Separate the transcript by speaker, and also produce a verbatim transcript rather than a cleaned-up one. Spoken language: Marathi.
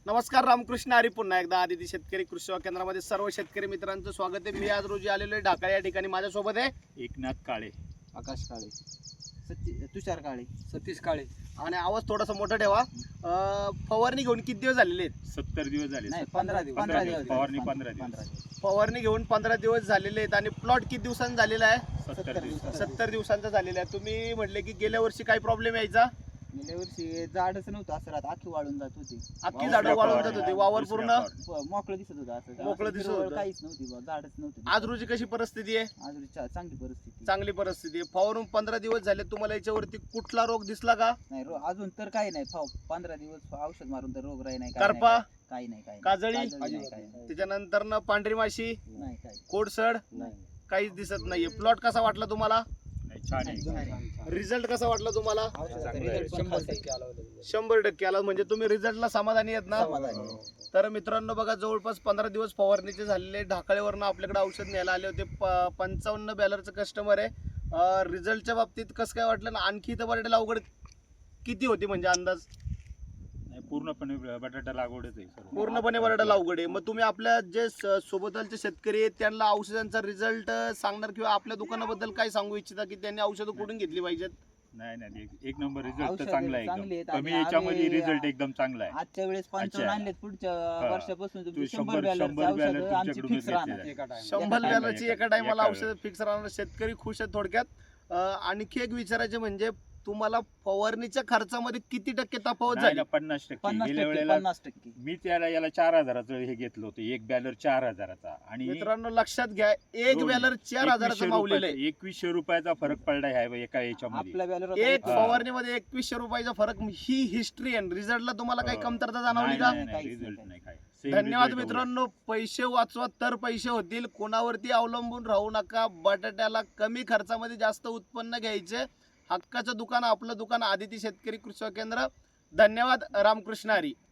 Speaker 1: नमस्कार, रामकृष्ण हरी. पुन्हा एकदा आदिती शेतकरी कृषी सेवा केंद्रामध्ये सर्व शेतकरी मित्रांचं स्वागत आहे. मी आज रोजी आलेलो आहे ढाका या ठिकाणी. माझ्यासोबत आहे
Speaker 2: एकनाथ काळे,
Speaker 3: आकाश काळे, सती तुषार काळे,
Speaker 4: सतीश काळे.
Speaker 1: आणि आवाज थोडासा मोठा ठेवा. अं, फवारणी घेऊन किती दिवस झालेले आहेत?
Speaker 2: सत्तर दिवस झाले.
Speaker 3: नाही पंधरा दिवस
Speaker 2: पंधरा
Speaker 3: दिवस
Speaker 2: दिवस फवारणी पंधरा
Speaker 3: पंधरा
Speaker 2: दिवस
Speaker 3: दिवस
Speaker 1: फवारणी घेऊन पंधरा दिवस झालेले आहेत. आणि प्लॉट किती दिवसांचा झालेला आहे?
Speaker 2: सत्तर दिवस.
Speaker 1: सत्तर दिवसांचा झालेला आहे. तुम्ही म्हटले की गेल्या वर्षी काही प्रॉब्लेम यायचा?
Speaker 3: गेल्या वर्षी झाडच नव्हतं, असं राहत आखी वाळून जात होती,
Speaker 1: अख्खी झाडं वाळून जात होती, वावर पूर्ण
Speaker 3: प- मोकळं दिसत होतं, असं
Speaker 1: मोकळं
Speaker 3: असं
Speaker 1: दिसत
Speaker 3: हिरवळ
Speaker 1: होतं.
Speaker 3: काहीच नव्हती बा, झाडच नव्हती.
Speaker 1: आज रोजी कशी परिस्थिती आहे?
Speaker 3: आज रोजी चा- चांगली परिस्थिती.
Speaker 1: चांगली परिस्थिती आहे. फवारून पंधरा दिवस झाले. तुम्हाला याच्यावरती कुठला रोग दिसला का?
Speaker 3: नाही रो- अजून तर काही नाही, फाव पंधरा दिवस औषध मारून तर रोग राही नाही, काही
Speaker 1: करपा?
Speaker 3: नाही, काही नाही, काही नाही.
Speaker 1: काजळी?
Speaker 3: काजळी नाही, काही नाही.
Speaker 1: त्याच्यानंतर न पांढरी माशी,
Speaker 3: नाही काही
Speaker 1: कोडसड
Speaker 3: नाही.
Speaker 1: काहीच दिसत नाहीये. प्लॉट कसा वाटला तुम्हाला?
Speaker 2: नाही, छान आहे.
Speaker 1: रिझल्ट कसा वाटला तुम्हाला?
Speaker 3: औषधाचा
Speaker 2: चांगलं आहे.
Speaker 3: result पण
Speaker 4: शंभर
Speaker 3: खास आहे.
Speaker 4: टक्के आला होता.
Speaker 1: शंभर टक्के आला. म्हणजे तुम्ही रिझल्टला समाधानी आहेत ना?
Speaker 3: समाधानी आहे.
Speaker 1: तर मित्रांनो बघा, जवळपास पंधरा दिवस फवारणीचे झालेले. ढाकळेवरनं आपल्याकडे औषध न्यायला आले होते. प- पंचावन्न बॅलरचं कस्टमर आहे. रिझल्टच्या बाबतीत कसं काय वाटलं ना? आणखी इथं बटाट्याला अवघड किती होती म्हणजे अंदाज?
Speaker 2: नाही, पूर्णपणे बटाटा लागवडच आहे सर्व.
Speaker 1: पूर्णपणे बटाट्याला अवघड आहे. मग तुम्ही आपल्या जे स- सोबतचे शेतकरी आहेत त्यांना औषधांचा रिझल्ट सांगणार किंवा आपल्या दुकानाबद्दल काय सांगू इच्छिता की त्यांनी औषधं कुठून घेतली पाहिजेत?
Speaker 2: नाही नाही, एक- एक नंबर रिझल्ट तर
Speaker 3: औषधं
Speaker 2: चांगला आहे
Speaker 3: चांगली
Speaker 2: एकदम.
Speaker 3: आहेत.
Speaker 2: कमी
Speaker 3: आणि
Speaker 2: याच्यामध्ये
Speaker 3: आम्ही-
Speaker 2: रिझल्ट एकदम चांगला आहे.
Speaker 3: आजच्या वेळेस पंचावन्न
Speaker 2: अच्छा.
Speaker 3: आणलेत, पुढच्या
Speaker 2: हा.
Speaker 3: वर्षापासून
Speaker 2: तू
Speaker 3: तुमची
Speaker 2: शंभर-
Speaker 3: शंभर बॅलरची
Speaker 2: शंभर बॅलर
Speaker 3: औषधं आमची
Speaker 2: तुमच्याकडूनच
Speaker 3: फिक्स राहणार.
Speaker 2: घेतलेलं आहे.
Speaker 4: एका time.
Speaker 1: शंभर
Speaker 2: एका
Speaker 1: बॅलरची
Speaker 2: एका-
Speaker 1: एका टायमाला
Speaker 2: एका
Speaker 1: औषध फिक्स राहणार. शेतकरी खुश आहेत थोडक्यात. अं, आणखी एक विचारायचे म्हणजे तुम्हाला फवारणीच्या खर्चामध्ये किती टक्के तफावत
Speaker 2: नाही
Speaker 1: झाली?
Speaker 2: ना, पन्नास टक्के.
Speaker 3: पन्नास
Speaker 2: गेल्या
Speaker 3: टक्के
Speaker 2: वेळेला
Speaker 3: पन्नास टक्के
Speaker 2: मी त्याला याला चार हजाराचं हे घेतलं होतं, एक बॅलर चार हजाराचा. आणि
Speaker 1: मित्रांनो लक्षात घ्या, एक
Speaker 2: दोन-
Speaker 1: बॅलर चार हजाराचं
Speaker 2: एकवीसशे
Speaker 1: मावलेलं
Speaker 2: रुपयाचा-
Speaker 1: आहे.
Speaker 2: एकवीसशे रुपयाचा फरक पडला आहे एका याच्यामध्ये.
Speaker 3: आपल्या बॅलर
Speaker 1: एक
Speaker 2: हा.
Speaker 1: फवारणीमध्ये एकवीसशे रुपयाचा फरक. ही हिस्ट्री आहे. रिझल्टला तुम्हाला काही
Speaker 2: हो.
Speaker 1: कमतरता जाणवली
Speaker 2: नाही,
Speaker 1: का?
Speaker 2: नाही, नाही,
Speaker 3: काहीच
Speaker 2: result
Speaker 3: नाही.
Speaker 2: नाही काय. Same
Speaker 1: धन्यवाद
Speaker 2: result
Speaker 1: मित्रांनो. पैसे वाचवा तर पैसे होतील. कोणावरती अवलंबून राहू नका. बटाट्याला कमी खर्चामध्ये जास्त उत्पन्न घ्यायचे. हक्काचं दुकान आपलं दुकान आदिती शेतकरी कृषी सेवा केंद्र. धन्यवाद. रामकृष्ण हरी.